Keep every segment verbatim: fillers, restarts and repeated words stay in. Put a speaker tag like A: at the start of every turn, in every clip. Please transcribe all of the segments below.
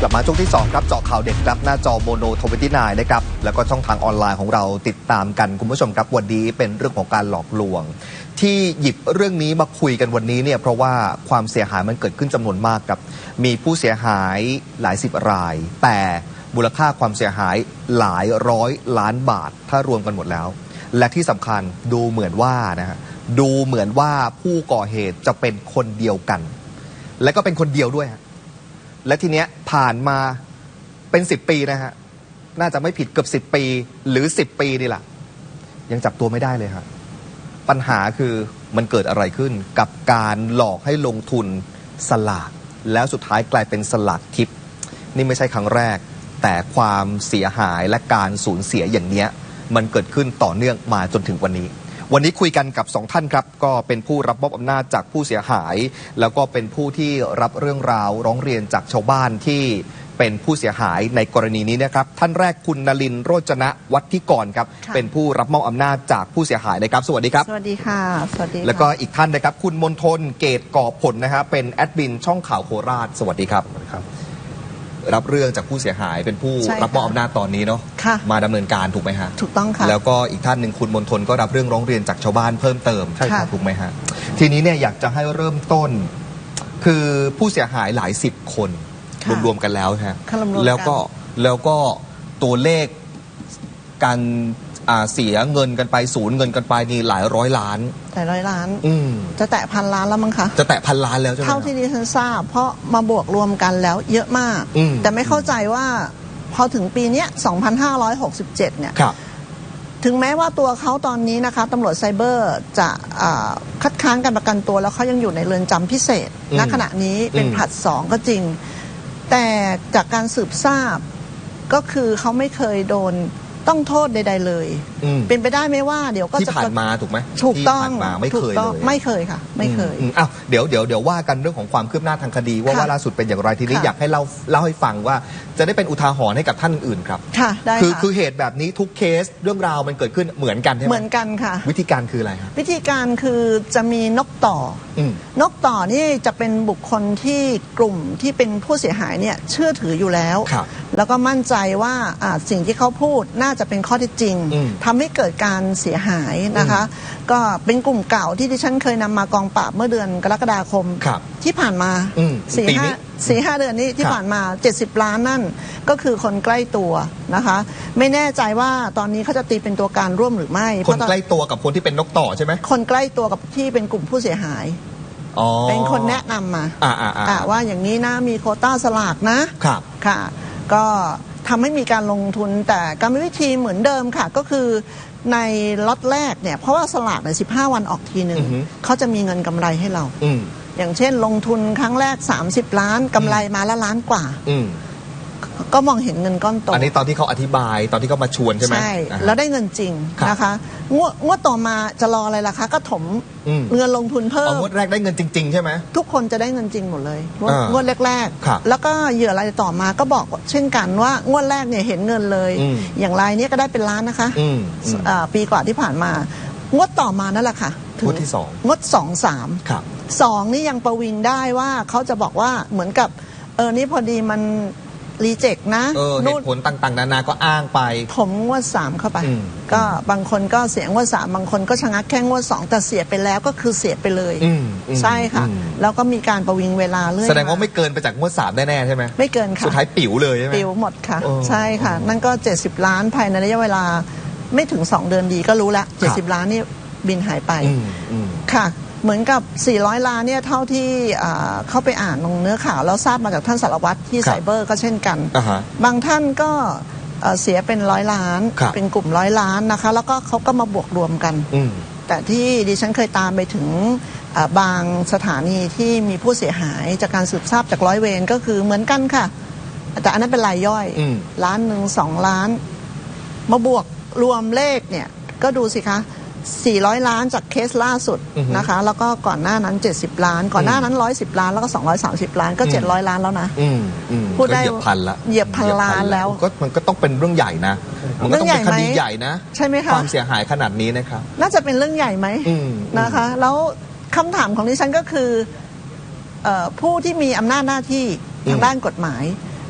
A: ลับมาช่วงที่สองครับเจาะข่าวเด็ดครับหน้าจอโมโนทเวนตี้ไนน์นะครับแล้วก็ช่องทางออนไลน์ของเราติดตามกันคุณผู้ชมครับวันนี้เป็นเรื่องของการหลอกลวงที่หยิบเรื่องนี้มาคุยกันวันนี้เนี่ยเพราะว่าความเสียหายมันเกิดขึ้นจำนวนมากครับมีผู้เสียหายหลายสิบรายแต่มูลค่าความเสียหายหลายร้อยล้านบาทถ้ารวมกันหมดแล้วและที่สำคัญดูเหมือนว่านะฮะดูเหมือนว่าผู้ก่อเหตุจะเป็นคนเดียวกันและก็เป็นคนเดียวด้วยฮะและทีเนี้ยผ่านมาเป็นสิบปีนะฮะน่าจะไม่ผิดเกือบสิบปีหรือสิบปีนี่แหละยังจับตัวไม่ได้เลยฮะปัญหาคือมันเกิดอะไรขึ้นกับการหลอกให้ลงทุนสลากแล้วสุดท้ายกลายเป็นสลากทิพย์นี่ไม่ใช่ครั้งแรกแต่ความเสียหายและการสูญเสียอย่างเนี้ยมันเกิดขึ้นต่อเนื่องมาจนถึงวันนี้วันนี้คุยกันกับสองท่านครับก็เป็นผู้รับมอบอำนาจจากผู้เสียหายแล้วก็เป็นผู้ที่รับเรื่องราวร้องเรียนจากชาวบ้านที่เป็นผู้เสียหายในกรณีนี้นะครับท่านแรกคุณนลินทร์โรจนะวัฒนิกรครับเป็นผู้รับมอบอำนาจจากผู้เสียหายนะครับสวัสดีครับ
B: สวัสดีค่ะสวัสดี
A: แล้วก็อีกท่านนะครับคุณมนทนเกตก่อผลนะฮะเป็นแอดมินช่องข่าวโคราชสวัสดีครับรับเรื่องจากผู้เสียหายเป็นผู้รับมอบอำนาจตอนนี้เนาะมาดำเนินการถูกไหมฮะ
B: ถูกต้องค่ะ
A: แล้วก็อีกท่านหนึ่งคุณมนทนก็รับเรื่องร้องเรียนจากชาวบ้านเพิ่มเติมใช่ครับถูกไหมฮะทีนี้เนี่ยอยากจะให้เริ่มต้นคือผู้เสียหายหลายสิบคนรวมๆกันแล้วฮะแล้วก็แล้วก็ตัวเลขการเสียเงินกันไปสูญเงินกันไปนี่หลายร้อยล้าน
B: หลายร้อยล้าน
A: อืม
B: จะแตะพันล้านแล้วมั้งคะ
A: จะแตะพันล้านแล้วใช่ไหม
B: เท่าที่ดิฉันทราบเพราะมาบวกรวมกันแล้วเยอะมากแต่ไม่เข้าใจว่าพอถึงปีนี้สองพันห้าร้อยหกสิบเจ็ดเนี่ยถึงแม้ว่าตัวเขาตอนนี้นะคะตำรวจไซเบอร์จะคัดค้านการประกันตัวแล้วเขายังอยู่ในเรือนจำพิเศษณขณะนี้เป็นผลัดสองก็จริงแต่จากการสืบทราบก็คือเขาไม่เคยโดนต้องโทษใดๆเลยเป็นไปได้ไหมว่าเดี๋ยวก็
A: จะที่ผ่านมาถูกไหม
B: ถูกต้อง
A: มาไม่เคยเลย
B: ไม่เคยค่ะไม่เคย
A: อ้าวเดี๋ยวเดี๋ยวเดี๋ยวว่ากันเรื่องของความคืบหน้าทางคดีว่าว่าล่าสุดเป็นอย่างไรทีนี้อยากให้เล่าเล่าให้ฟังว่าจะได้เป็นอุทาหรณ์ให้กับท่านอื่นครับ
B: ค่ะได้
A: คือคือเหตุแบบนี้ทุกเคสเรื่องราวมันเกิดขึ้นเหมือนกันใช่ไหม
B: เหมือนกันค่ะ
A: วิธีการคืออะไรครับ
B: วิธีการคือจะมีนกต่อนกต่อนี่จะเป็นบุคคลที่กลุ่มที่เป็นผู้เสียหายเนี่ยเชื่อถืออยู่แล้วแล้วก็มั่นใจว่าสิ่งที่เขาพูดน่าจะเป็นข้อเท็จจริงทำให้เกิดการเสียหายนะคะก็เป็นกลุ่มเก่าที่ดิฉันเคยนำมากองปราบเมื่อเดือนกรกฎาคมที่ผ่านมาสี่ห้าสี่ห้าเดือนนี้ที่ผ่านมาเจ็ดสิบล้านนั่นก็คือคนใกล้ตัวนะคะไม่แน่ใจว่าตอนนี้เขาจะตีเป็นตัวการร่วมหรือไม่
A: คนใกล้ตัวกับคนที่เป็นนกต่อใช่ไหม
B: คนใกล้ตัวกับที่เป็นกลุ่มผู้เสียหายเป็นคนแนะนำมาว่าอย่างนี้นะมีโควต้าสลากนะครับค่ะก็ทำให้มีการลงทุนแต่กรรมวิธีเหมือนเดิมค่ะก็คือในล็อตแรกเนี่ยเพราะว่าสลากในสิบห้าวันออกทีหนึ่งเขาจะมีเงินกำไรให้เราอย่างเช่นลงทุนครั้งแรกสามสิบล้านกำไรมาละล้านกว่าก็มองเห็นเงินก้อนโต
A: อันนี้ตอนที่เขาอธิบายตอนที่เขามาชวนใช่ไหม
B: ใช่แล้วได้เงินจริงนะคะงวดงวดต่อมาจะรออะไรล่ะคะก็ถมเงินลงทุนเพิ่ม
A: งวดแรกได้เงินจริงๆใช่ไหม
B: ทุกคนจะได้เงินจริงหมดเลยงวดแรกๆแล้วก็เหยื่อรายต่อมาก็บอกเช่นกันว่างวดแรกเนี่ยเห็นเงินเลยอย่างรายนี้ก็ได้เป็นล้านนะคะปีกว่าที่ผ่านมางวดต่อมานั่นแหละค่ะ
A: งวดที่สอง
B: งวดสองสามสองนี่ยังประวิงได้ว่าเขาจะบอกว่าเหมือนกับเออนี่พอดีมันรีเจ็คนะ
A: เหตุผลต่างๆนานาก็อ้างไป
B: ผมงวดสามเข้าไปก็บางคนก็เสียงวดสามบางคนก็ชะงักแค่งวดสองแต่เสียไปแล้วก็คือเสียไปเลยใช่ค่ะแล้วก็มีการประวิงเวลาเรื่อย
A: แสดงว่าไม่เกินไปจากงวดสามแน่ๆใช่ไหม
B: ไม่เกินค่ะ
A: สุดท้ายปิ๋วเลยใช่ไหม
B: ปิ๋วหมดค่ะใช่ค่ะนั่นก็เจ็ดสิบล้านภายในระยะเวลาไม่ถึงสองเดือนดีก็รู้ละเจ็ดสิบล้านนี่บินหายไปค่ะเหมือนกับสี่ร้อยล้านเนี่ยเท่าที่เข้าไปอ่านลงเนื้อข่าวแล้วทราบมาจากท่านสารวัตรที่ไซเบอร์ก็เช่นกันบางท่านก็เสียเป็นร้อยล้านเป็นกลุ่มร้อยล้านนะคะแล้วก็เขาก็มาบวกรวมกันแต่ที่ดิฉันเคยตามไปถึงบางสถานีที่มีผู้เสียหายจากการสืบทราบจากร้อยเวรก็คือเหมือนกันค่ะแต่อันนั้นเป็นรายย่อยล้านหนึ่งสองล้านมาบวกรวมเลขเนี่ยก็ดูสิคะสี่ร้อยล้านจากเคสล่าสุดนะคะแล้วก็ก่อนหน้านั้นเจ็ดสิบล้านก่อนหน้านั้นหนึ่งร้อยสิบล้านแล้วก็สองร้อยสามสิบล้านก็เจ็ดร้อยล้านแล้วนะ
A: พูดได้เหยียบพันละ
B: เหยียบพันล้านแล้ว
A: ก็มันก็ต้องเป็นเรื่องใหญ่นะมันก็ต้องเป็นคดีใหญ่นะ
B: ใช่ไหมคะ
A: ความเสียหายขนาดนี้นะครับ
B: น่าจะเป็นเรื่องใหญ่ไหมนะคะแล้วคำถามของดิฉันก็คือผู้ที่มีอำนาจหน้าที่ทางด้านกฎหมาย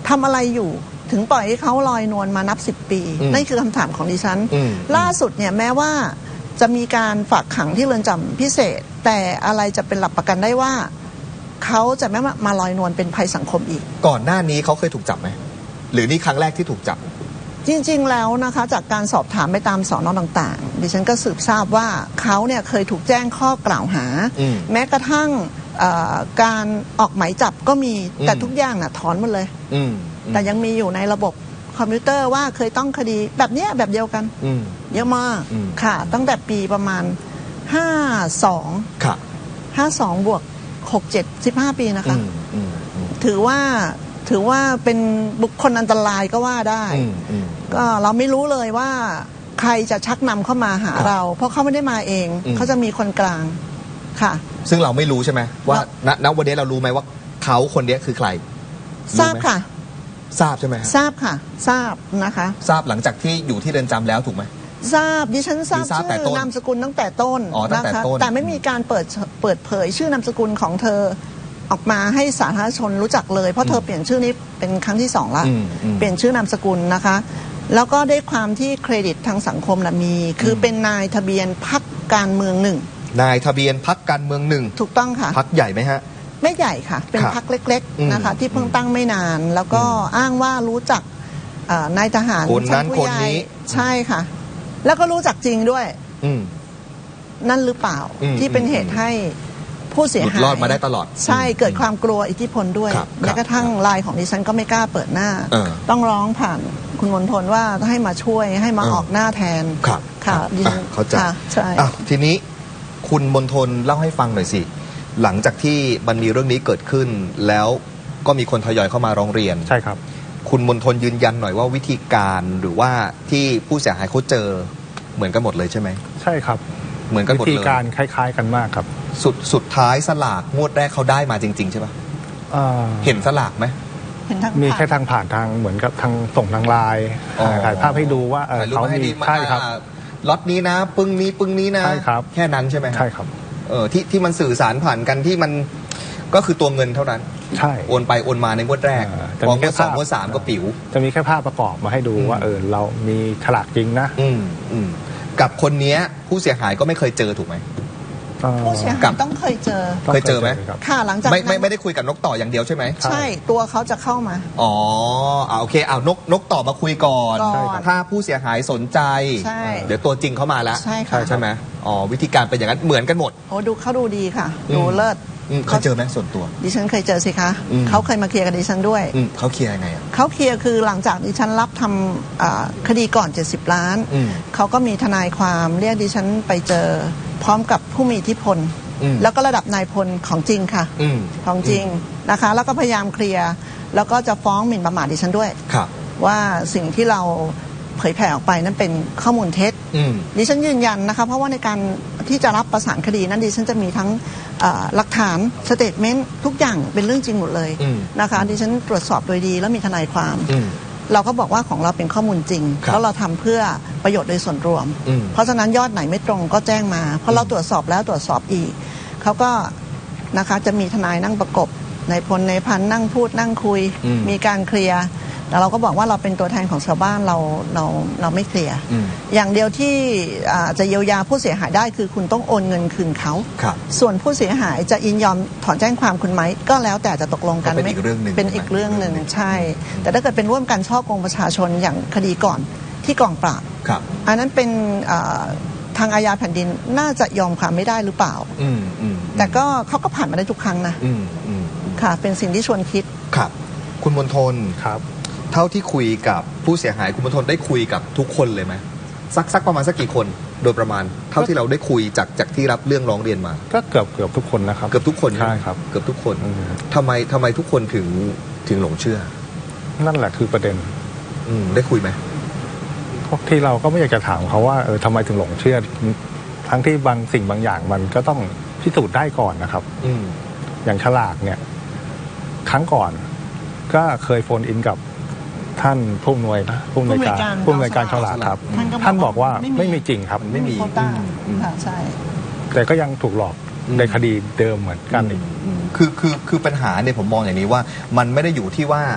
B: ทำอะไรอยู่ถึงปล่อยให้เขาลอยนวลมานับสิบปีนั่นคือคำถามของดิฉันล่าสุดเนี่ยแม้ว่าจะมีการฝากขังที่เรือนจำพิเศษแต่อะไรจะเป็นหลักประกันได้ว่าเขาจะไม่มาลอยนวลเป็นภัยสังคมอีก
A: ก่อนหน้านี้เขาเคยถูกจับไหมหรือนี่ครั้งแรกที่ถูกจับ
B: จริงๆแล้วนะคะจากการสอบถามไปตามสอนอต่างๆดิฉันก็สืบทราบว่าเขาเนี่ยเคยถูกแจ้งข้อกล่าวหาแม้กระทั่งการออกหมายจับก็มีแต่ทุกอย่างน่ะถอนหมดเลยแต่ยังมีอยู่ในระบบคอมพิวเตอร์ว่าเคยต้องคดีแบบเนี้ยแบบเดียวกันเยอะมากค่ะตั้งแต่ปีประมาณห้าสองค่ะห้าสองบวกหกเจ็ดสิบห้าปีนะคะถือว่าถือว่าเป็นบุคคลอันตรายก็ว่าได้ก็เราไม่รู้เลยว่าใครจะชักนำเข้ามาหาเราเพราะเขาไม่ได้มาเองเขาจะมีคนกลางค่ะ
A: ซึ่งเราไม่รู้ใช่ไหมว่าณณวันนี้เรารู้ไหมว่าเขาคนนี้คือใคร
B: ทราบค่ะ
A: ทราบใช่ไหม
B: ทราบค่ะทราบนะคะ
A: ทราบหลังจากที่อยู่ที่เรือนจำแล้วถูกไหม
B: ทราบดิฉันทราบชื่อนามสกุลตั้งแต่ต้นนะคะแต่ไม่มีการเปิดเปิดเผยชื่อนามสกุลของเธอออกมาให้สาธารณชนรู้จักเลยเพราะเธอเปลี่ยนชื่อนี้เป็นครั้งที่สองละเปลี่ยนชื่อนามสกุลนะคะแล้วก็ได้ความที่เครดิตทางสังคมนะมีคือเป็นนายทะเบียนพรรคการเมืองหนึ่ง
A: นายทะเบียนพรรคการเมืองหนึ่ง
B: ถูกต้องค่ะ
A: พรรคใหญ่ไหมฮะ
B: ไม่ใหญ่ค่ะเป็นพรรคเล็กๆนะคะที่เพิ่งตั้งไม่นานแล้วก็อ้างว่ารู้จักนายทหาร
A: ชั้นผู้ใหญ่
B: ใช่ค่ะแล้วก็รู้จักจริงด้วยนั่นหรือเปล่าที่เป็นเหตุให้ผู้เสียหาย
A: รอดมาได้ตลอด
B: ใช่เกิดความกลัวอิทธิพลด้วยแม้กระทั่งไลน์ของดิฉันก็ไม่กล้าเปิดหน้าต้องร้องผ่านคุณมณฑลว่าให้มาช่วยให้มาออกหน้าแทน
A: ค่ะดิฉันเข้าใจใช่ทีนี้คุณมณฑลเล่าให้ฟังหน่อยสิหลังจากที่มันมีเรื่องนี้เกิดขึ้นแล้วก็มีคนทยอยเข้ามาร้องเรียน
C: ใช่ครับ
A: คุณมณฑลยืนยันหน่อยว่าวิธีการหรือว่าที่ผู้เสียหายเขาเจอเหมือนกันหมดเลยใช่ไหม
C: ใช่ครับ
A: เหมือนกันหมดเลย
C: วิธีการคล้ายๆกันมากครับ
A: สุดสุดท้ายสลากงวดแรกเขาได้มาจริงๆใช่ปะเห็นสลากไหม
C: มีแค่ทางผ่านทางเหมือนกับทางส่งทางไลน์ถ่ายภาพให้ดูว่าเขามีใช่ครับ
A: ล็อตนี้นะปึ้งนี้ปึ้งนี้นะ
C: ใช่ครับ
A: แค่นั้นใช่ไหม
C: ใช่ครับ
A: เออที่ที่มันสื่อสารผ่านกันที่มันก็คือตัวเงินเท่านั้น
C: ใช่
A: โอนไปโอนมาในงวดแรกพองวดสองงวดสามก็ปิ๋ว
C: จะมีแค่ภาพประกอบมาให้ดูว่าเออเรามีฉลากจริงนะ
A: อืมอืมกับคนนี้ผู้เสียหายก็ไม่เคยเจอถูกไหม
B: ผู้เสียหายต้องเคยเจอ
A: เคยเจอไหม
B: ค่ะหลังจาก
A: ไม่ไม่ไม่ได้คุยกับนกต่ออย่างเดียวใช่ไหม
B: ใช่ตัวเขาจะเข้ามา
A: อ๋ออ่าโอเคเอานกนกต่อมาคุยก่อนถ้าผู้เสียหายสนใจเดี๋ยวตัวจริงเข้ามาแล้ว
B: ใช่ค่ะ
A: ใช่ไหมอ๋อวิธีการเป็นอย่างนั้นเหมือนกันหมด
B: โอ้ดูเขาดูดีค่ะดูเลิศ
A: เคยเจอไหมส่วนตัว
B: ดิฉันเคยเจอสิคะเขาเคยมาเคลียร์กับดิฉันด้วย
A: เขาเคลียร์ยังไง
B: เขาเคลียร์คือหลังจากดิฉันรับทำคดีก่อนเจ็ดสิบล้านเขาก็มีทนายความเรียกดิฉันไปเจอพร้อมกับผู้มีอิทธิพลแล้วก็ระดับนายพลของจริงค่ะของจริงนะคะแล้วก็พยายามเคลียร์แล้วก็จะฟ้องหมิ่นประมาทดิฉันด้วยว่าสิ่งที่เราเผยแผ่ออกไปนั้นเป็นข้อมูลเท็จดิฉันยืนยันนะคะเพราะว่าในการที่จะรับประสานคดีนั้นดิฉันจะมีทั้งหลักฐานสเตทเมนต์ทุกอย่างเป็นเรื่องจริงหมดเลยนะคะดิฉันตรวจสอบโดยดีแล้วมีทนายความเราก็บอกว่าของเราเป็นข้อมูลจริงแล้วเราทำเพื่อประโยชน์โดยส่วนรวมเพราะฉะนั้นยอดไหนไม่ตรงก็แจ้งมาเพราะเราตรวจสอบแล้วตรวจสอบอีกเขาก็นะคะจะมีทนายนั่งประกบนายพลนายพันนั่งพูดนั่งคุยมีการเคลียร์แต่เราก็บอกว่าเราเป็นตัวแทนของชาวบ้านเราเราเราไม่เคลียร์อย่างเดียวที่จะเยียวยาผู้เสียหายได้คือคุณต้องโอนเงินคืนเขาส่วนผู้เสียหายจะยินยอมถอนแจ้งความคุณไหมก็แล้วแต่จะตกลงกัน
A: เป็นอีกเรื่องหนึ่ง
B: เป็นอีกเรื่องหนึ่งใช่แต่ถ้าเกิดเป็นร่วมกันช่อโกงประชาชนอย่างคดีก่อนที่กองปราบอันนั้นเป็นทางอาญาแผ่นดินน่าจะยอมความไม่ได้หรือเปล่าแต่ก็เขาก็ผ่านมาได้ทุกครั้งนะค่ะเป็นสิ่งที่ชวนคิด
A: ครับคุณมณฑลครับเท่าที่คุยกับผู้เสียหายคุณมณฑลได้คุยกับทุกคนเลยไหมสักสักประมาณสักกี่คนโดยประมาณเท่าที่เราได้คุยจากจากที่รับเรื่องร้องเรียนมา
C: ก็เกือบเกือบทุกคนนะครับ
A: เกือบทุกคน
C: ใช่ครับ
A: เกือบทุกคนทำไมทำไมทุกคนถึงถึงหลงเชื่อ
C: นั่นแหละคือประเด็น
A: อืมได้คุยไหม
C: พวกที่เราก็ไม่อยากจะถามเขาว่าเออทำไมถึงหลงเชื่อทั้งที่บางสิ่งบางอย่างมันก็ต้องพิสูจน์ได้ก่อนนะครับอืมอย่างฉลากเนี่ยครั้งก่อนก็เคยโฟนอินกับท่านผู้อำนวยนะผู้อำนวยการผู้อำนวยการฉลากครับท่านบอกว่าไม่มีจริงครับ
B: ไม่มีค่ะใช่
C: แต่ก็ยังถูกหลอกในคดีเดิมเหมือนกันอีก
A: คือคือคือปัญหาเนี่ยผมมองอย่างนี้ว่ามันไม่ได้อยู่ที่ว่า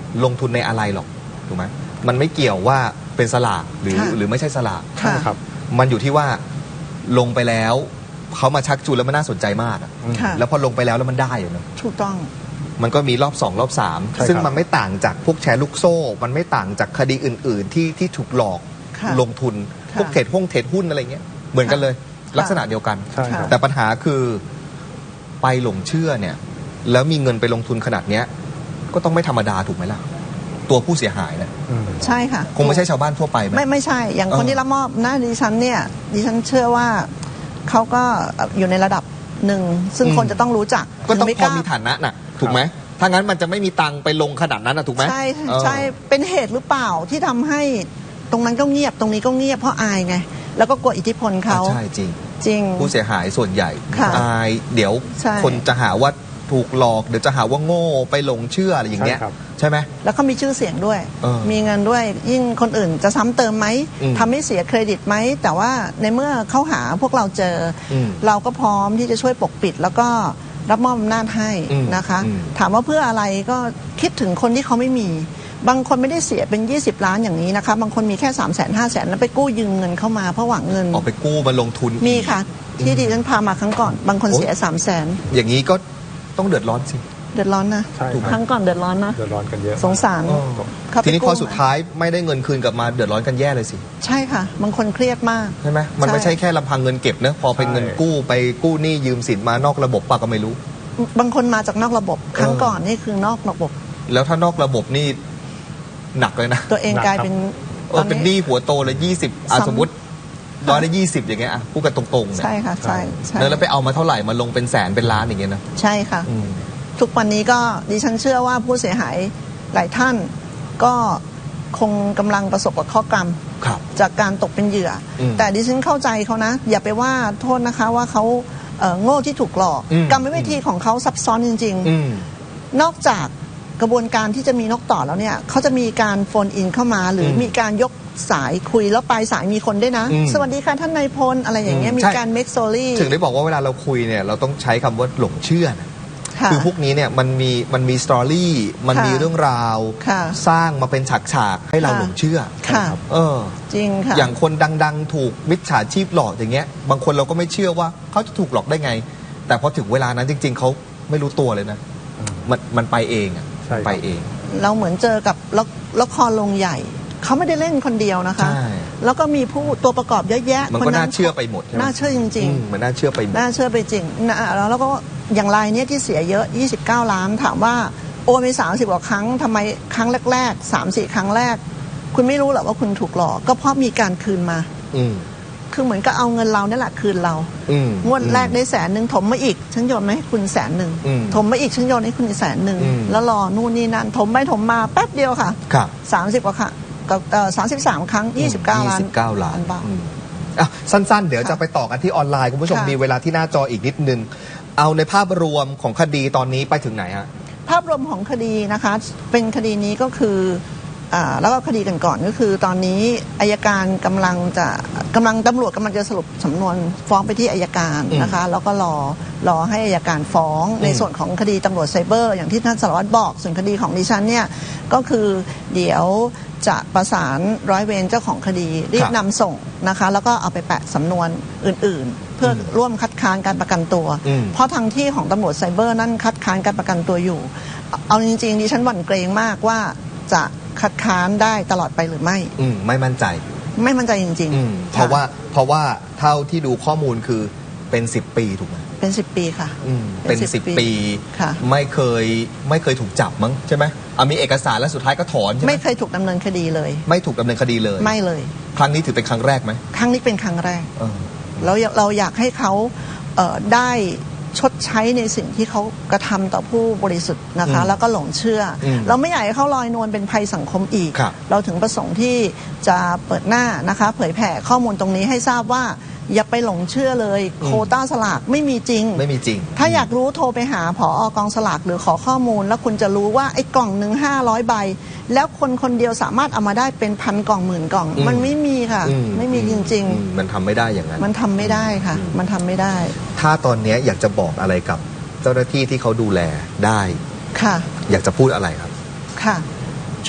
A: ลงทุนในอะไรหรอกถูกไหมมันไม่เกี่ยวว่าเป็นสลากหรือ
B: ค่ะ
A: หรือไม่ใช่สลาก
C: ใช่ครับ
A: มันอยู่ที่ว่าลงไปแล้วเขามาชักจูนแล้วมันน่าสนใจมากอะ
B: ค่ะ
A: แล้วพอลงไปแล้วแล้วมันได้อยู่นะ
B: ถูกต้อง
A: มันก็มีรอบสองรอบสาม
C: ใช่ครับ
A: ซึ่งมันไม่ต่างจากพวกแชร์ลูกโซ่ มันไม่ต่างจากคดีอื่น ๆ ที่ที่ถูกหลอก
B: ค่ะ
A: ลงทุน
B: ค่ะ
A: พวกเทรดหุ้นเทรดหุ้นอะไรเงี้ยเหมือนกันเลย
B: ค่ะ
A: ลักษณะเดียวกัน
C: ใช่ครับ
A: แต่ปัญหาคือไปหลงเชื่อเนี่ย แล้วมีเงินไปลงทุนขนาดเนี้ย ก็ต้องไม่ธรรมดาถูกไหมล่ะ ตัวผู้เสียหายเนี่ย
C: อืม
B: ใช่ค่ะ
A: คงไม่ใช่ชาวบ้านทั่วไปไหม
B: ไม่ไม่ใช่ อย่าง
A: เออ
B: คนที่รับมอบหน้าดิฉันเนี่ยดิฉันเชื่อว่าเขาก็อยู่ในระดับหนึ่งซึ่งคนจะต้องรู้จัก
A: ก็ต้อง
B: ไม่
A: พอมีฐานะน่ะ ถูกไหมถ้างั้นมันจะไม่มีตังค์ไปลงขนาดนั้นนะถูกไหม
B: ใช่
A: เออ
B: ใช่เป็นเหตุหรือเปล่าที่ทำให้ตรงนั้นก็เงียบตรงนี้ก็เงียบเพราะอายไง แล้วก็กลัวอิทธิพลเขา
A: ใช่จริง
B: จริง
A: ผู้เสียหายส่วนใหญ่
B: ค่ะ
A: อายเดี๋ยว
B: ใช่
A: คนจะหาว่าถูกหลอกเดี๋ยวจะหาว่าโง่ไปหลงเชื่ออะไรอย่างเงี้ย
C: ใช่ครับ
A: ใช่ไหม
B: แล้วเขามีชื่อเสียงด้วย
A: เออ
B: มีเงินด้วยยิ่งคนอื่นจะซ้ำเติมไหม
A: อืม
B: ทำให้เสียเครดิตไหมแต่ว่าในเมื่อเขาหาพวกเราเจออ
A: ม
B: เราก็พร้อมที่จะช่วยปกปิด แล้วก็รับมอบอำนาจให้
A: อืม
B: นะคะ
A: อืม
B: ถามว่าเพื่ออะไรก็คิดถึงคนที่เขาไม่มี บางคนไม่ได้เสียเป็น ยี่สิบ ล้านอย่างนี้นะคะ บางคนมีแค่ สามแสน ห้าแสนแล้วไปกู้ยืมเงินเข้ามาเพราะหวังเงิน
A: ออกไปกู้มาลงทุน
B: มีค่ะ ที่ดิฉันพามาครั้งก่อน บางคน
A: โอ๊ย
B: เสีย สามแสน
A: อย่างนี้ก็ต้องเดือดร้อนสิ
B: เดือดร้อนนะ
C: ใช่
A: ถูกไหม
B: ครั้งก่อนเดือดร้อนนะ
C: เดือดร้อนกันเยอะ
B: สงสาร
A: อ๋อ
B: เขาไป
A: ทีนี้พอ
B: กู้
A: สุดท้ายไม่ได้เงินคืนกลับมาเดือดร้อนกันแย่เลยสิ
B: ใช่ค่ะ บางคนเครียดมาก
A: ใช่ไหมมันไม่
B: ใช่
A: ใช่แค่ลำพังเงินเก็บนะพอเป็นเงินกู้ไปกู้หนี้ยืมสินมานอกระบบปะก็ไม่รู้
B: บางคนมาจากนอกระบบ ครั้ง
A: เออ
B: ก่อนนี่คือนอกระบบ
A: แล้วถ้านอกระบบนี่หนักเลยนะ
B: ตัวเองกลายเป็น
A: เออเป็นหนี้หัวโตเลยยี่สิบอ่ะ
B: ซ้ำ
A: สมมติร้อยละยี่สิบอย่างเงี้ยอ่ะพูดกันตรงๆเนี่ย
B: ใช่ค่ะ ใช่ใช่
A: แล้วไปเอามาเท่าไหร่มาลงเป็นแสนเป็นล้านอย่างเงี้ยนะ
B: ใช่ค่ะ
A: อืม
B: ทุกวันนี้ก็ดิฉันเชื่อว่าผู้เสียหายหลายท่านก็คงกำลังประสบกับข้อกรรม
A: ครับ
B: จากการตกเป็นเหยื่ออ
A: ม
B: แต่ดิฉันเข้าใจเขานะ อย่าไปว่าโทษนะคะว่าเขาเอ่อโง่ที่ถูกหลอก
A: อืม
B: กรรมวิธีของเขาซับซ้อนจริง
A: อืม
B: ๆ นอกจากกระบวนการที่จะมีนกต่อแล้วเนี่ยเขาจะมีการโฟนอินเข้ามา หรืออ
A: ม
B: มีการยกสายคุยแล้วปลายสายมีคนด้วยนะ
A: อืม
B: สวัสดีค่ะท่านนายพลอะไรอย่างเงี้ย
A: อืม
B: มี
A: ใช่
B: การเมคโซลี่
A: ถึงได้บอกว่าเวลาเราคุยเนี่ยเราต้องใช้คำว่าหลงเชื่อนะ
B: ค่ะ
A: คือพวกนี้เนี่ยมันมีมันมีสตอรี่มัน
B: ค่ะ
A: มีเรื่องราว
B: ค่ะ
A: สร้างมาเป็นฉากๆให้เรา
B: ค่ะ
A: หลงเชื่อ
B: ค่ะ
A: เออ
B: จริงค่ะ
A: อย่างคนดังๆ ถูกมิจฉาชีพหลอกอย่างเงี้ย บางคนเราก็ไม่เชื่อว่าเขาจะถูกหลอกได้ไง แต่พอถึงเวลานั้นจริง ๆเขาไม่รู้ตัวเลยนะ
C: อืม
A: มันมันไปเองอะ
C: ใช่ครับ
A: ไปเอง
B: เราเหมือนเจอกับละละครลงใหญ่ เขาไม่ได้เล่นคนเดียวนะคะ
A: ใช่
B: แล้วก็มีผู้ตัวประกอบเยอะแยะ
A: มันก็น่าเชื่อไปหมดใช่ไหม
B: น่าเชื่อจริง
A: อืมมันน่าเชื่อไปหม
B: ๆ
A: ด
B: น่าเชื่อไปจริงนะแล้วแล้วก็อย่างรายเนี้ยที่เสียเยอะ ยี่สิบเก้า ล้าน ถามว่าโอนไปสามสิบกว่าครั้งทำไมครั้งแรกๆ สามสี่ ครั้งแรก คุณไม่รู้หรอกว่าคุณถูกหลอก ก็เพราะมีการคืนมา
A: อืม
B: คือเหมือนกับเอาเงินเราเนี่ยแหละคืนเรา
A: อืม
B: งวดแรกได้แสนหนึ่งถมมาอีก ฉันโยนมาให้คุณแสนหนึ่ง
A: อืม
B: ถมมาอีกฉันโยนให้คุณอีกแสนหนึ่ง
A: อืม
B: แล้วรอนู่นนี่นั่นถมไปถมมาแป๊บเดียวค่ะ
A: ครับ
B: สามสิบกว่าครั้งกับสามสิบสามครั้งยี่สิบเก้าล้าน
A: ยี่สิบเก้าล้าน
B: บาท
A: อืมอ่ะสั้นๆ เดี๋ยว
B: ค่ะ
A: จะไปต่อกันที่ออนไลน์คุณผู้ชม
B: ค่ะ
A: มีเวลาที่หน้าจออีกนิดนึง เอาในภาพรวมของคดีตอนนี้ไปถึงไหนฮะ
B: ภาพรวมของคดีนะคะ เป็นคดีนี้ก็คืออ่าแล้วก็คดีกันก่อนก็คือ ตอนนี้อายการกำลังจะกำลังตำรวจกำลังจะสรุปสำนวนฟ้องไปที่อายการนะคะ แล้วก็รอรอให้อายการฟ้องในส่วนของคดีตำรวจไซเบอร์ อย่างที่ท่านสารวัตรบอก ส่วนคดีของดิฉันเนี่ยก็คือเดี๋ยวจะประสานร้อยเวรเจ้าของคดีรีบนำส่งนะคะ แล้วก็เอาไปแปะสำนวนอื่น ๆ เพื่อร่วมคัดค้านการประกันตัว
A: อืม
B: เพราะทางที่ของตำรวจไซเบอร์นั่นคัดค้านการประกันตัวอยู่ เอาจริงๆดิฉันหวั่นเกรงมากว่าจะคัดค้านได้ตลอดไปหรือไม่
A: อืมไม่มั่นใจ
B: ไม่มั่นใจจริง
A: อืม
B: ๆ
A: เพราะว่าเพราะว่าเท่าที่ดูข้อมูลคือเป็นสิบปีถูกไหม
B: เป็นสิบปีค่ะ
A: อืม
B: เป็
A: เป็น
B: นสิบ
A: สิบ
B: ปี
A: ปี
B: ค่ะ
A: ไม่เคยไม่เคยถูกจับมั้งใช่ไหมอ่ะมีเอกสารแล้วสุดท้ายก็ถอนใช่ไหม
B: ไม่เคยถูกดำเนินคดีเลย
A: ไม่ถูกดำเนินคดีเลย
B: ไม่เลย
A: ครั้งนี้ถือเป็นครั้งแรกไหม
B: ครั้งนี้เป็นครั้งแรก
A: เออ
B: แล้วเราอยากให้เขาเอ่อได้ชดใช้ในสิ่งที่เขากระทำต่อผู้บริสุทธิ์นะคะ
A: อืม
B: แล้วก็หลงเชื่ออ
A: ม
B: เราไม่อยากให้เขาลอยนวลเป็นภัยสังคมอีก
A: ครับ
B: เราถึงประสงค์ที่จะเปิดหน้านะคะ เผยแผ่ข้อมูลตรงนี้ให้ทราบว่า อย่าไปหลงเชื่อเลย
A: อืม
B: โควต้าสลากไม่มีจริง
A: ไม่มีจริง
B: ถ้าอยากรู้โทรไปหาผออกองสลากหรือขอข้อมูล แล้วคุณจะรู้ว่าไอ้กล่องหนึ่งห้าร้อยใบ แล้วคนคนเดียวสามารถเอามาได้เป็นพันกล่องหมื่นกล่อง
A: อืม
B: มันไม่มีค่ะ
A: อื
B: ไม่มีจริง
A: อืมมันทำไม่ได้อย่างนั้น
B: ๆ มันทำไม่ได้ค่ะ
A: อืม
B: มันทำไม่ได้
A: ถ้าตอนเนี้ยอยากจะบอกอะไรกับเจ้าหน้าที่ที่เขาดูแลได้
B: ค่ะ
A: อยากจะพูดอะไรครับ
B: ค่ะ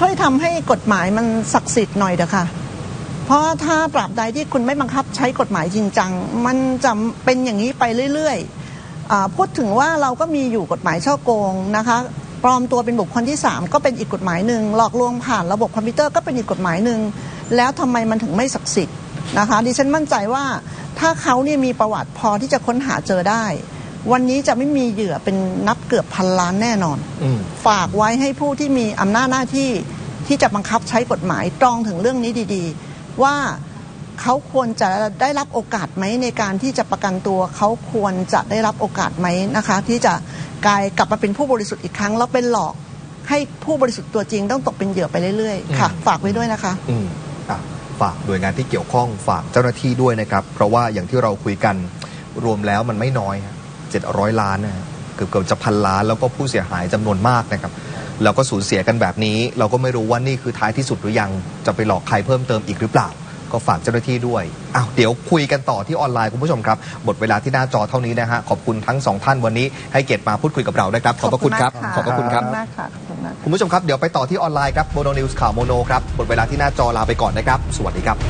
B: ช่วยทำให้กฎหมายมันศักดิ์สิทธิ์หน่อยเถอะค่ะเพราะถ้าตราบใดที่คุณไม่บังคับใช้กฎหมายจริงจังมันจะเป็นอย่างนี้ไปเรื่อยๆพูดถึงว่าเราก็มีอยู่กฎหมายฉ้อโกงนะคะปลอมตัวเป็นบุคคลที่สามก็เป็นอีกกฎหมายหนึ่งหลอกลวงผ่านระบบคอมพิวเตอร์ก็เป็นอีกกฎหมายหนึ่งแล้วทำไมมันถึงไม่ศักดิ์สิทธิ์นะคะดิฉันมั่นใจว่าถ้าเขาเนี่ยมีประวัติพอที่จะค้นหาเจอได้วันนี้จะไม่มีเหยื่อเป็นนับเกือบพันล้านแน่นอนฝากไว้ให้ผู้ที่มีอำนาจหน้าที่ที่จะบังคับใช้กฎหมายตรองถึงเรื่องนี้ดีๆว่าเขาควรจะได้รับโอกาสไหมในการที่จะประกันตัวเขาควรจะได้รับโอกาสไหมนะคะที่จะกลายกลับมาเป็นผู้บริสุทธิ์อีกครั้งแล้วเป็นหลอกให้ผู้บริสุทธิ์ตัวจริงต้องตกเป็นเหยื่อไปเรื่อยๆค่ะฝากไว้ด้วยนะคะ
A: อืมอ่ะฝากหน่วยงานที่เกี่ยวข้องฝากเจ้าหน้าที่ด้วยนะครับเพราะว่าอย่างที่เราคุยกันรวมแล้วมันไม่น้อยเจ็ดร้อยล้านนะเกือบเกือบจะพันล้านแล้วก็ผู้เสียหายจำนวนมากนะครับแล้วก็สูญเสียกันแบบนี้เราก็ไม่รู้ว่านี่คือท้ายที่สุดหรือยังจะไปหลอกใครเพิ่มเติมอีกหรือเปล่าก็ฝากเจ้าหน้าที่ด้วยอ้าวเดี๋ยวคุยกันต่อที่ออนไลน์คุณผู้ชมครับหมดเวลาที่หน้าจอเท่านี้นะฮะขอบคุณทั้งสองท่านวันนี้ให้เกียรติมาพูดคุยกับเรานะครับขอบพระคุณครับ
B: ขอบ
A: คุณครับคุณผู้ชมครับเดี๋ยวไปต่อที่ออนไลน์ครับโมโนนิวส์ข่าวโมโนครับหมดเวลาที่หน้าจอลาไปก่อนนะครับสวัสดีครับ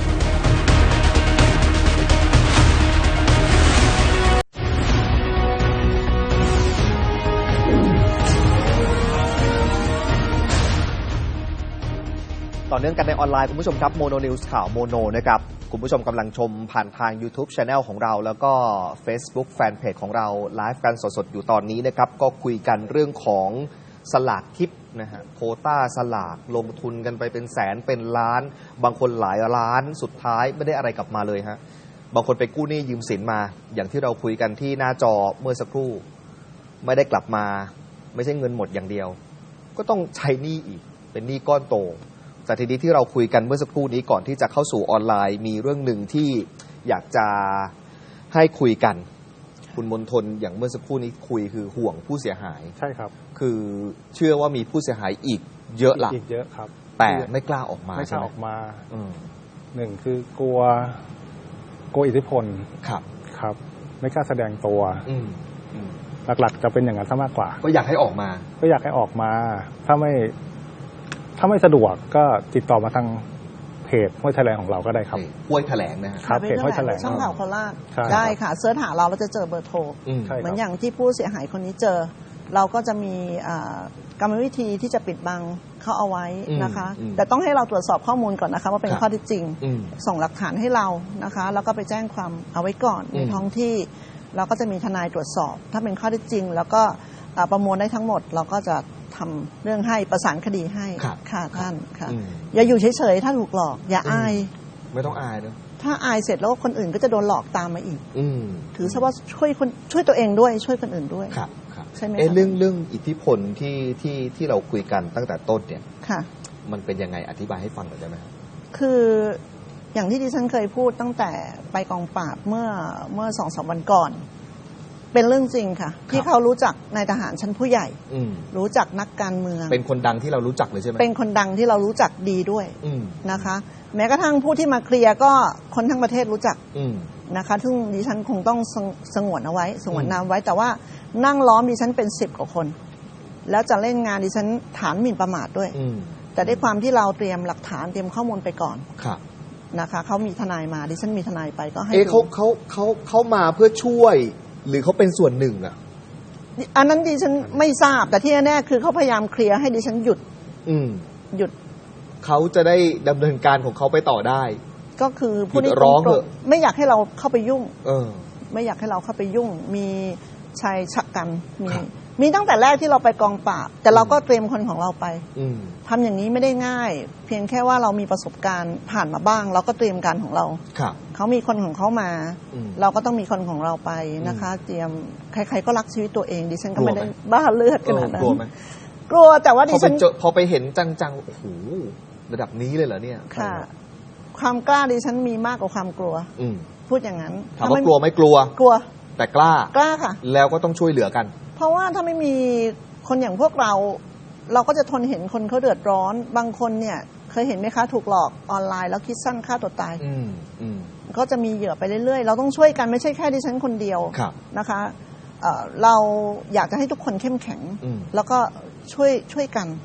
A: ต่อเนื่องกันในออนไลน์คุณผู้ชมครับโมโนนิวส์ข่าวโมโนนะครับคุณผู้ชมกำลังชมผ่านทาง YouTube Channel ของเราแล้วก็ Facebook Fanpage ของเราไลฟ์กันสดๆอยู่ตอนนี้นะครับก็คุยกันเรื่องของสลากทิปนะฮะโควต้าสลากลงทุนกันไปเป็นแสนเป็นล้านบางคนหลายล้านสุดท้ายไม่ได้อะไรกลับมาเลยฮะบางคนไปกู้หนี้ยืมสินมาอย่างที่เราคุยกันที่หน้าจอเมื่อสักครู่ไม่ได้กลับมาไม่ใช่เงินหมดอย่างเดียวก็ต้องใช้หนี้อีกเป็นหนี้ก้อนโตแต่ทีนี้ที่เราคุยกันเมื่อสักครู่นี้ก่อนที่จะเข้าสู่ออนไลน์มีเรื่องหนึ่งที่อยากจะให้คุยกันคุณมนทนอย่างเมื่อสักครู่นี้คุยคือห่วงผู้เสียหาย
C: ใช่ครับ
A: คือเชื่อว่ามีผู้เสียหายอีกเยอะละ
C: อีกเยอะครับ
A: แต่ไม่กล้าออกมา
C: ไม่กล้าออกมาหนึ่งคือกลัวกลัวอิทธิพล
A: ครับ
C: ครับไม่กล้าแสดงตัวหลักๆจะเป็นอย่างนั้นซะมากกว่า
A: ก็อยากให้ออกมา
C: ก็อยากให้ออกมาถ้าไม่ถ้าไม่สะดวกก็ติดต่อมาทางเพจห้วยแถลงของเราก็ได้ครับ
A: ห้วยแถลงนะครับ
C: เพจห้วยแถลง
B: ช่องข่าวโคราชได้ค่ะเสิร์ชหาเราเราจะเจอเบอร์โทรเหมือนอย่างที่ผู้เสียหายคนนี้เจอเราก็จะมีกรรมวิธีที่จะปิดบังเขาเอาไว้นะคะแต่ต้องให้เราตรวจสอบข้อมูลก่อนนะคะว่าเป็นข้อเท็จจริงส่งหลักฐานให้เรานะคะแล้วก็ไปแจ้งความเอาไว้ก่อนในท้องที่เราก็จะมีทนายตรวจสอบถ้าเป็นข้อเท็จจริงแล้วก็ประมวลได้ทั้งหมดเราก็จะทำเรื่องให้ประสานคดีให้ค่ะท่านค่ะอย่าอยู่เฉยๆถ้าถูกหลอกอย่าอาย
A: ไม่ต้องอายนะ
B: ถ้าอายเสร็จแล้วคนอื่นก็จะโดนหลอกตามมาอีกถือซะว่าช่วยคนช่วยตัวเองด้วยช่วยคนอื่นด้วย
A: ครับ
B: ใช่ไหม
A: เรื่องเรื่องอิทธิพลที่ที่ที่เราคุยกันตั้งแต่ต้นเนี่ย
B: ค่ะ
A: มันเป็นยังไงอธิบายให้ฟังหน่อยได้ไหม
B: คืออย่างที่ดิฉันเคยพูดตั้งแต่ไปกองปราบเมื่อเมื่อสองสามวันก่อนเป็นเรื่องจริงค่ะที่เขารู้จักนายทหารชั้นผู้ใหญ่รู้จักนักการเมือง
A: เป็นคนดังที่เรารู้จักเลยใช่ไหม
B: เป็นคนดังที่เรารู้จักดีด้วยนะคะแม้กระทั่งผู้ที่มาเคลียร์ก็คนทั้งประเทศรู้จักนะคะซึ่งดิฉันคงต้องสงวนเอาไว้สงวนนามไว้แต่ว่านั่งล้อมดิฉันเป็นสิบกว่าคนแล้วจะเล่นงานดิฉันฐานหมิ่นประมาทด้วยแต่ด้วยความที่เราเตรียมหลักฐานเตรียมข้อมูลไปก่อนนะคะเขามีทนายมาดิฉันมีทนายไปก็ให้
A: เขาเขาเขาเขามาเพื่อช่วยหรือเขาเป็นส่วนหนึ่งอ่ะ
B: อันนั้นดิฉันไม่ทราบแต่ที่แน่ๆคือเขาพยายามเคลียร์ให้ดิฉันหยุดหยุด
A: เขาจะได้ดำเนินการของเขาไปต่อได้
B: ก็คือผู้นี้ร้องไม่อยากให้เราเข้าไปยุ่งไม่อยากให้เราเข้าไปยุ่งมีชายชะกันมีมีตั้งแต่แรกที่เราไปกองปราบแต่เราก็เตรียมคนของเราไปทำอย่างนี้ไม่ได้ง่ายเพียงแค่ว่าเรามีประสบการณ์ผ่านมาบ้างเราก็เตรียมการของเราเขามีคนของเขามาเราก็ต้องมีคนของเราไปนะคะเตรียมใครๆก็รักชีวิตตัวเองดิฉันก็ไม่ได้บ้าเลือดขนาดนั้นกลัวไหมกลัวแต่ว่าดิฉัน
A: พอไปเห็นจังๆโอ้โหระดับนี้เลยเหรอเนี่ย
B: ค่ะความกล้าดิฉันมีมากกว่าความกลัวพูดอย่างนั้น
A: ถามว่ากลัวไม่กลัว
B: กลัว
A: แต่กล้าก
B: ล้าค่ะ
A: แล้วก็ต้องช่วยเหลือกัน
B: เพราะว่าถ้าไม่มีคนอย่างพวกเราเราก็จะทนเห็นคนเขาเดือดร้อนบางคนเนี่ยเคยเห็นไหมคะถูกหลอกออนไลน์แล้วคิดสั้นฆ่าตัวตายก็จะมีเหยื่อไปเรื่อยๆเราต้องช่วยกันไม่ใช่แค่ดิฉันคนเดียวนะคะเ เราอยากจะให้ทุกคนเข้มแข็งแล้วก็ช่วยช่วยกัน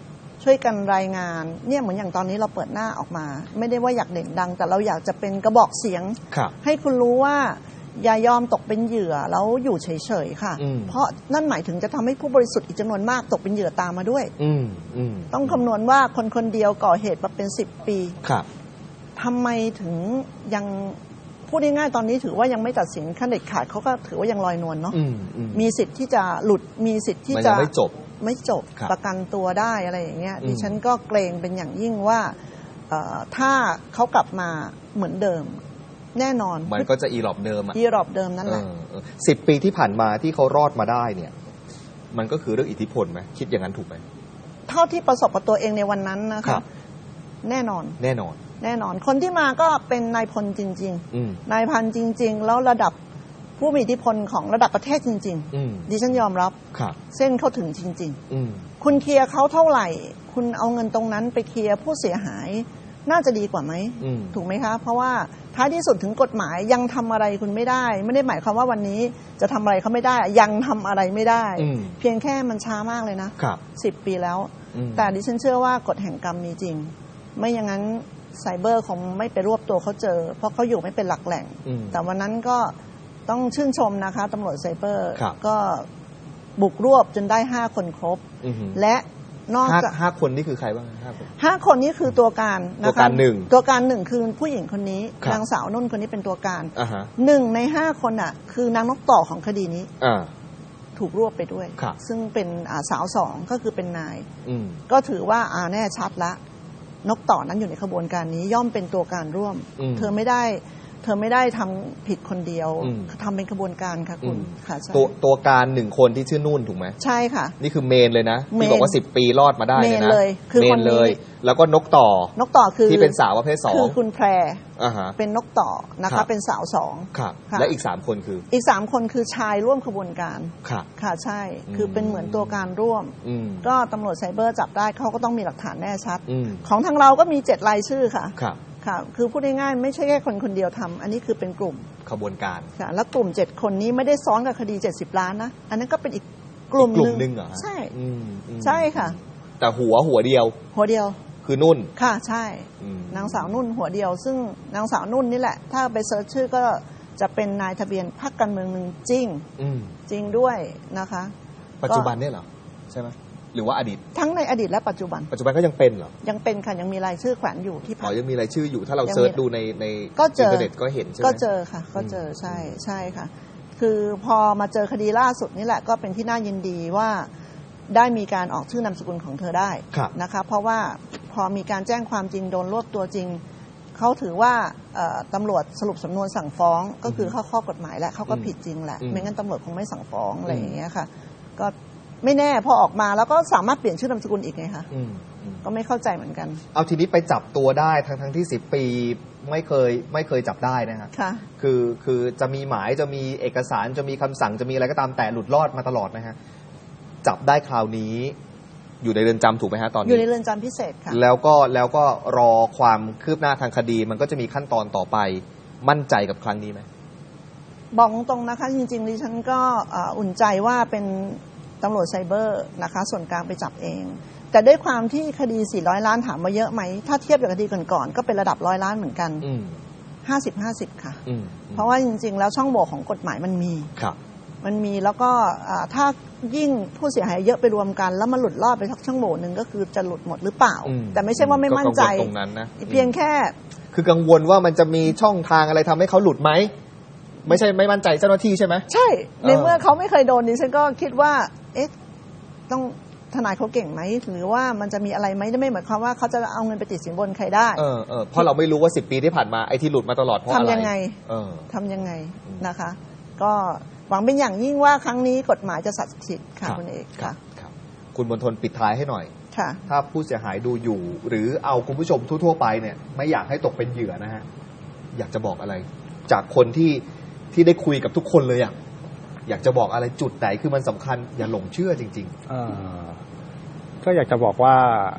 B: ช่วยกันรายงานเนี่ยเหมือนอย่างตอนนี้เราเปิดหน้าออกมา ไม่ได้ว่าอยากเด่นดัง แต่เราอยากจะเป็นกระบอกเสียง ให้คุณรู้ว่าอย่ายอมตกเป็นเหยื่อแล้วอยู่เฉยๆค่ะ เพราะนั่นหมายถึงจะทำให้ผู้บริสุทธิ์อีกจำนวนมากตกเป็นเหยื่อตามมาด้วยต้องคำนวณว่าคนคนเดียวก่อเหตุมาเป็นสิบปีทำไมถึงยังพูดง่ายๆตอนนี้ถือว่ายังไม่ตัดสินขั้นเด็ดขาดเขาก็ถือว่ายังลอยนวลเนาะมีสิทธิ์ที่จะหลุดมีสิทธิ์ที่จะ
A: ไม่จบ
B: ไม่จบประกันตัวได้อะไรอย่างเงี้ยดิฉันก็เกรงเป็นอย่างยิ่งว่าถ้าเขากลับมาเหมือนเดิมแน่นอน
A: มันก็จะอีหลอบเดิมอะ
B: อีหลอบเดิมนั่นแหละ
A: สิบปีที่ผ่านมาที่เขารอดมาได้เนี่ยมันก็คือเรื่องอิทธิพลไหมคิดอย่างนั้นถูกไหม
B: เท่าที่ประสบกับตัวเองในวันนั้นนะคะแน่นอน
A: แน่นอน
B: แน่นอนคนที่มาก็เป็นนายพลจริงๆนายพันจริงๆแล้วระดับผู้มีอิทธิพลของระดับประเทศจริงๆดิฉันยอมรับเส้นเขาถึงจริงๆคุณเคลียร์เขาเท่าไหร่คุณเอาเงินตรงนั้นไปเคลียร์ผู้เสียหายน่าจะดีกว่าไหมถูกไหมคะเพราะว่าท้ายที่สุดถึงกฎหมายยังทำอะไรคุณไม่ได้ไม่ได้หมายความว่าวันนี้จะทำอะไรเขาไม่ได้ยังทำอะไรไม่ได้เพียงแค่มันช้ามากเลยนะสิบปีแล้วแต่ดิฉันเชื่อว่ากฎแห่งกรรมมีจริงไม่อย่างนั้นไซเบอร์คงไม่ไปรวบตัวเขาเจอเพราะเขาอยู่ไม่เป็นหลักแหล่งแต่วันนั้นก็ต้องชื่นชมนะคะตำรวจไซเบอร์ก็บุกรวบจนได้ห้าคนครบและนอกจาก
A: ห้าคนนี่คือใครบ้างห้าคน
B: ห้าคนนี้คือตัวการ
A: นะคะตัวการหนึ่ง
B: ตัวการหนึ่งคือผู้หญิงคนนี้นางสาวนุ่นคนนี้เป็นตัวการหนึ่งในห้าคนอ่ะคือนางนกต่อของคดีนี้ถูกรวบไปด้วยซึ่งเป็นสาวสองก็คือเป็นนายก็ถือว่าอ่าแน่ชัดละนกต่อนั้นอยู่ในขบวนการนี้ย่อมเป็นตัวการร่วมเธอไม่ได้เธอไม่ได้ทำผิดคนเดียวทำเป็นขบวนการค่ะคุณค่ะ
A: ตัวตัวการหนึ่งคนที่ชื่อนุ่นถูกไหม
B: ใช่ค่ะ
A: นี่คือเมนเลยนะที่บอกว่าสิบปีรอดมาได้เลยนะ
B: เมนเลยคือ
A: คนเลยแล้วก็นกต่อน
B: กต่อคือ
A: ที่เป็นสาวประเภทสอง
B: คือคุณแพรเป็นนกต่อนะคะเป็นสาวสอง
A: และอีกสามคนคือ
B: อีกสามคนคือชายร่วมขบวนการค่ะใช่คือเป็นเหมือนตัวการร่วมก็ตำรวจไซเบอร์จับได้เขาก็ต้องมีหลักฐานแน่ชัดของทางเราก็มีเจ็ดรายชื่อค่ะค่ะคือพูดง่ายๆไม่ใช่แค่คนคนเดียวทำอันนี้คือเป็นกลุ่ม
A: ขบวนการ
B: ค่ะแล้วกลุ่มเจ็ดคนนี้ไม่ได้ซ้อนกับคดีเจ็ดสิบล้านนะอันนั้นก็เป็นอีกกลุ่ม
A: หนึ่งเหรอ
B: ใช่ใช่ค่ะ
A: แต่หัวหัวเดียว
B: หัวเดียว
A: คือนุ่น
B: ค่ะใช่นางสาวนุ่นหัวเดียวซึ่งนางสาวนุ่นนี่แหละถ้าไปเซิร์ชชื่อก็จะเป็นนายทะเบียนพรรคการเมืองหนึ่งจริงจริงด้วยนะคะ
A: ปัจจุบันเนี่ยเหรอใช่ไหมหรือว่าอดีต
B: ทั้งในอดีตและปัจจุบัน
A: ปัจจุบันก็ยังเป็นเหรอ
B: ยังเป็นค่ะยังมีรายชื่อแขวนอยู่ที่พรรค
A: อ๋อยังมีรายชื่ออยู่ถ้าเราเซิร์ชดูในในอินเทอร์เน็ตก็เห็นใช่ไหม
B: ก็เจอค่ะก็เจอใช่ใช่ค่ะคือพอมาเจอคดีล่าสุดนี่แหละก็เป็นที่น่ายินดีว่าได้มีการออกชื่อนามสกุลของเธอได้นะคะเพราะว่าพอมีการแจ้งความจริงโดนรวบตัวจริงเขาถือว่าตำรวจสรุปสำนวนสั่งฟ้องก็คือเข้าข้อกฎหมายและเขาก็ผิดจริงแหละไม่งั้นตำรวจคงไม่สั่งฟ้องอะไรอย่างเงี้ยค่ะก็ไม่แน่พอออกมาแล้วก็สามารถเปลี่ยนชื่อนามสกุลอีกไงคะก็ไม่เข้าใจเหมือนกัน
A: เอาทีนี้ไปจับตัวได้ทั้งทั้งที่สิบปีไม่เคยไม่เคยจับได้นะฮะคือคือจะมีหมายจะมีเอกสารจะมีคำสั่งจะมีอะไรก็ตามแต่หลุดรอดมาตลอดนะฮะจับได้คราวนี้อยู่ในเรือนจำถูกไหมฮะตอนนี้
B: อยู่ในเรือนจำพิเศษค่ะ
A: แล้วก็แล้วก็รอความคืบหน้าทางคดีมันก็จะมีขั้นตอนต่อไปมั่นใจกับครั้งนี้ไหม
B: บอกตรงๆนะคะจริงๆดิฉันก็อุ่นใจว่าเป็นตำรวจไซเบอร์นะคะส่วนกลางไปจับเองแต่ด้วยความที่คดีสี่ร้อยล้านถามมาเยอะไหมถ้าเทียบกับคดีก่อนๆก็เป็นระดับร้อยล้านเหมือนกันห้าสิบห้าสิบค่ะเพราะว่าจริงๆแล้วช่องโหว่ของกฎหมายมันมีมันมีแล้วก็ถ้ายิ่งผู้เสียหายเยอะไปรวมกันแล้วมันหลุดรอดไปสักช่องโหว่หนึ่งก็คือจะหลุดหมดหรือเปล่าแต่ไม่ใช่ว่าไม่มั่นใจ
A: ตรงนั้นนะ
B: เพียงแค่
A: คือกังวลว่ามันจะมีช่องทางอะไรทำให้เขาหลุดไหมไม่ใช่ไม่มั่นใจเจ้าหน้าที่ใช่ไหม
B: ใช่ในเมื่อเขาไม่เคยโดนนี่ฉันก็คิดว่าเอ๊ะต้องทนายเขาเก่งไหมหรือว่ามันจะมีอะไรไหมไม่หมายความว่าเขาจะเอาเงินไปติดสินบนใครได้
A: เออเออเพราะเราไม่รู้ว่าสิบปีที่ผ่านมาไอ้ที่หลุดมาตลอดเพราะอะไร
B: ทำยังไง
A: เออ
B: ทำยังไงนะคะก็หวังเป็นอย่างยิ่งว่าครั้งนี้กฎหมายจะศักดิ์สิทธิ์ค่ะคุณเอกค่ะ
A: คุณมณฑลปิดท้ายให้หน่อย
B: ค่ะ
A: ถ้าผู้เสียหายดูอยู่หรือเอาคุณผู้ชมทั่วๆไปเนี่ยไม่อยากให้ตกเป็นเหยื่อนะฮะอยากจะบอกอะไรจากคนที่ที่ได้คุยกับทุกคนเลยอ่ะอยากจะบอกอะไรจุดไหนคือมันสำคัญอย่าหลงเชื่อจริง
C: ๆก็อยากจะบอกว่า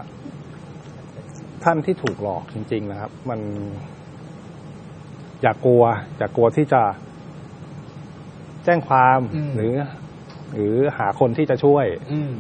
C: ท่านที่ถูกหลอกจริงๆนะครับมันอย่ากลัวอย่ากลัวที่จะแจ้งความหรือหรือหาคนที่จะช่วย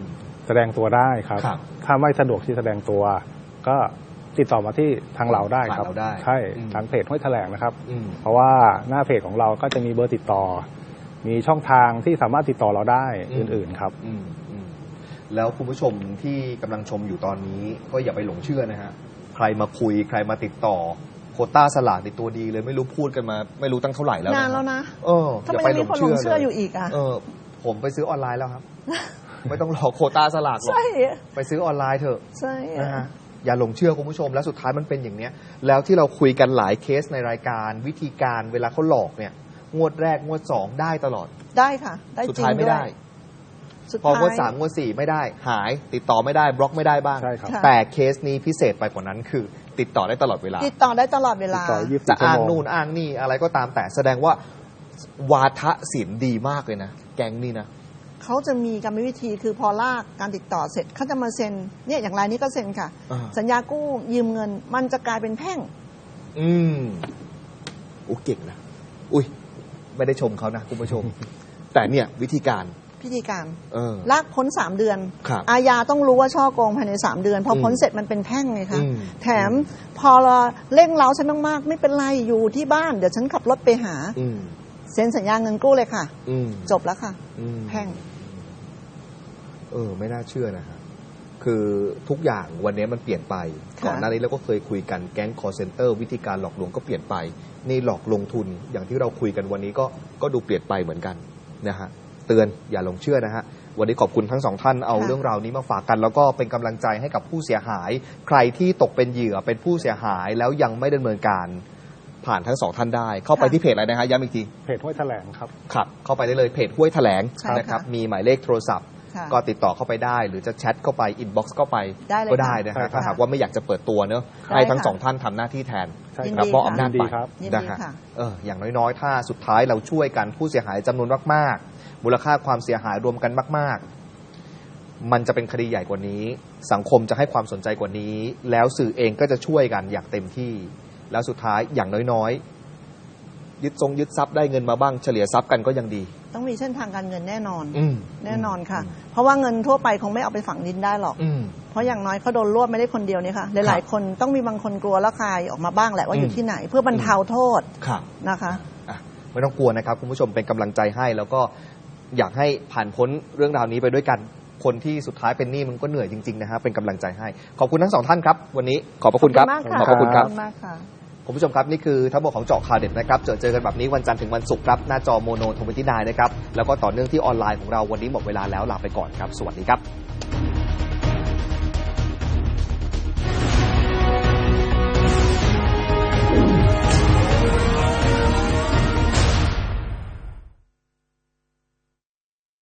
C: แสดงตัวได้ครับ
A: ครับ
C: ถ้าไม่สะดวกที่แสดงตัว ก็ติดต่อมาที่ทางเราได้ครับ
A: ผ่านเราได้
C: ใช่
A: อืม
C: ทางเพจห้วยแถลงนะครับ
A: อืม
C: เพราะว่าหน้าเพจของเราก็จะมีเบอร์ติดต่อ มีช่องทางที่สามารถติดต่อเราได้
A: อืม
C: อื่นๆครับ
A: อืมอืมแล้วคุณผู้ชมที่กำลังชมอยู่ตอนนี้ก็อย่าไปหลงเชื่อนะฮะใครมาคุยใครมาติดต่อโควต้าสลากในตัวดีเลยไม่รู้พูดกันมา ไม่รู้ตั้งเท่าไหร่แล้ว
B: นานแล้วนะ
A: เออ
B: ทำ
A: อย่า
B: ไม
A: ไป
B: ยังมีคนหลงเชื่ออยู่อีกอ่ะ
A: เออ ผมไปซื้อออนไลน์แล้วครับ ไม่ต้องรอโควต้าสลากหรอก
B: ใช่
A: ไปซื้อออนไลน์เถอะ
B: ใช่
A: นะฮะอย่าหลงเชื่อคุณผู้ชมแล้วสุดท้ายมันเป็นอย่างเนี้ย แล้วที่เราคุยกันหลายเคสในรายการวิธีการเวลาเขาหลอกเนี่ย งวดแรกงวดสองได้ตลอด
B: ได้ค่ะ ได้
A: สุด
B: จริง
A: ท้ายไม่
B: ด้ว
A: ได้
B: ยสุด
A: พอ
B: ท้าย
A: งวดสามงวดสี่ไม่ได้ หายติดต่อไม่ได้บล็อกไม่ได้บ้าง
C: ใช่ครับ
B: ค่ะ
A: แต่เคสนี้พิเศษไปกว่านั้นคือ ติดต่อได้ตลอดเวลา
B: ติดต่อได้ตลอดเว
C: ติ
B: ลา
C: ดต่อยี่สิบ
A: จะ
C: สี่ชั่ว
A: อ้าง
C: โมง
A: นู่นอ้างนี่อะไรก็ตามแต่แสดงว่าวาทศิลป์ดีมากเลยนะแก๊งนี่นะ
B: เขาจะมีกรรมวิธีคือพอลากการติดต่อเสร็จเขาจะมาเซ็นเนี่ยอย่างรายนี้ก็เซ็นค่ะ
A: อ่า
B: สัญญากู้ยืมเงิน มันจะกลายเป็นแพ่ง
A: อืมโอ้เก่งนะอุ้ยไม่ได้ชมเขานะคุณผู้ชม แต่เนี่ยวิธีการ
B: พิธีการ
A: เออ
B: ลากพ้นสามเดือน
A: ครับ
B: อาญาต้องรู้ว่าช่อโกงภายในสามเดือน พออ
A: ม
B: พ้นเสร็จมันเป็นแพ่งไงคะ
A: อืม
B: แถมพอเราเร่งเร้าฉันมากๆไม่เป็นไรอยู่ที่บ้านเดี๋ยวฉันขับรถไปหา
A: อืม
B: เซ็นสัญญาเงินกู้เลยค่ะ
A: อืม
B: จบแล้วค่ะ
A: อืม
B: แพ่ง
A: เออ ไม่น่าเชื่อนะฮะคือทุกอย่างวันนี้มันเปลี่ยนไป
B: ค่ะ
A: ก่อนหน้านี้เราก็เคยคุยกันแก๊ง call center วิธีการหลอกลวงก็เปลี่ยนไปนี่หลอกลงทุนอย่างที่เราคุยกันวันนี้ก็ก็ดูเปลี่ยนไปเหมือนกันนะฮะเตือนอย่าหลงเชื่อนะฮะวันนี้ขอบคุณทั้งสองท่านเอาเรื่องราวนี้มาฝากกัน แล้วก็เป็นกำลังใจให้กับผู้เสียหาย ใครที่ตกเป็นเหยื่อเป็นผู้เสียหายแล้วยังไม่ดำเนินการผ่านทั้งสองท่านได้ เข้าไปที่เพจอะไรนะฮะย้ำอีกที
C: เพจห้วยแถลงครับ
A: ครับเข้าไปได้เลยเพจห้วยแถลง
B: ใช่ค่ะ
A: นะครับมีหมายเลขโทรศัพท์
B: ค่ะ
A: ก็ติดต่อเข้าไปได้ หรือจะแชทเข้าไปอินบ็อกซ์เข้าไป
B: ได้เลย
A: ก็ได้
B: ค่ะ
A: นะ
C: ใช่
A: ฮะ
C: ครับ
A: ถ้าหากว่าไม่อยากจะเปิดตัวเนอะ
B: ได้
A: ให้ทั้ง
B: ค่ะ
A: สองท่านทำหน้าที่แทน
C: ใช่
B: ยิน
C: ครั
B: ดี
C: บ
A: มอบอำนาจ
C: ยินดี
A: ไป
C: ครับ
B: ยิน
A: นะ
B: ดี
A: ฮะ
B: ค่ะ
A: เอออย่างน้อยๆ ถ้าสุดท้ายเราช่วยกันผู้เสียหายจำนวนมากๆ มูลค่าความเสียหายรวมกันมากๆ มันจะเป็นคดีใหญ่กว่านี้ สังคมจะให้ความสนใจกว่านี้ แล้วสื่อเองก็จะช่วยกันอย่างเต็มที่ แล้วสุดท้ายอย่างน้อยๆ ยึดทรงยึดทรัพย์ได้เงินมาบ้างเฉลี่ยทรัพย์กันก็ยังดี
B: ต้องมีเส้นทางการเงินแน่นอน
A: อืม
B: แน่นอนค่ะ เพราะว่าเงินทั่วไปคงไม่เอาไปฝังดินได้หรอก
A: อืม
B: เพราะอย่างน้อยเขาโดนรวบไม่ได้คนเดียวนี่ค่ะหลายๆคนต้องมีบางคนกลัวแล้วคายออกมาบ้างแหละว่าอยู่ที่ไหน เพื่อบรรเทาโทษ
A: ครับ
B: นะคะ
A: อ่ะไม่ต้องกลัวนะครับคุณผู้ชมเป็นกำลังใจให้แล้วก็อยากให้ผ่านพ้นเรื่องราวนี้ไปด้วยกันคนที่สุดท้ายเป็นหนี้มันก็เหนื่อยจริงๆนะฮะเป็นกำลังใจให้ขอบคุณทั้งสองท่านครับ วันนี้ขอบพระคุณครับ
B: มากค่ะ
A: ขอบพระคุณครับ
B: ขอบคุณมากค่ะ
A: คุณผู้ชมครับนี่คือทั้งหมดของเจาะข่าวเด็ดนะครับเจอเจอกันแบบนี้วันจันทร์ถึงวันศุกร์ครับหน้าจอโมโนทเวนตี้ไนน์นะครับแล้วก็ต่อเนื่องที่ออนไลน์ของเราวันนี้หมดเวลาแล้วลาไปก่อนครับสวัสดีครับ